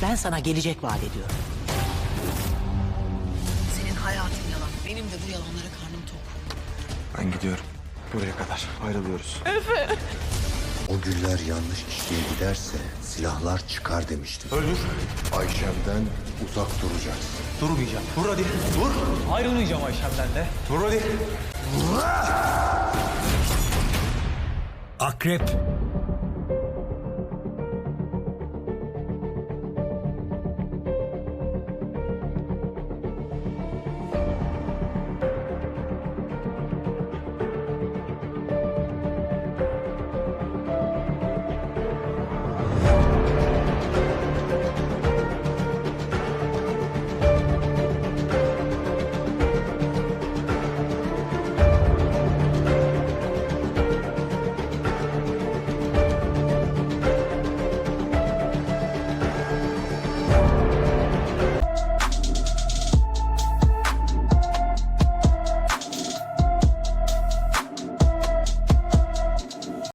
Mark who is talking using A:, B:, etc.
A: Ben sana gelecek vaat ediyorum.
B: Senin hayatın yalan. Benim de bu yalanlara karnım tok.
C: Ben gidiyorum. Buraya kadar. Ayrılıyoruz.
D: O güller yanlış kişiye giderse silahlar çıkar demiştim.
C: Öldür.
D: Ayşem'den uzak duracaksın.
C: Durmayacağım. Vur hadi. Vur.
E: Ayrılmayacağım Ayşem'den de.
C: Vur hadi.
F: Akrep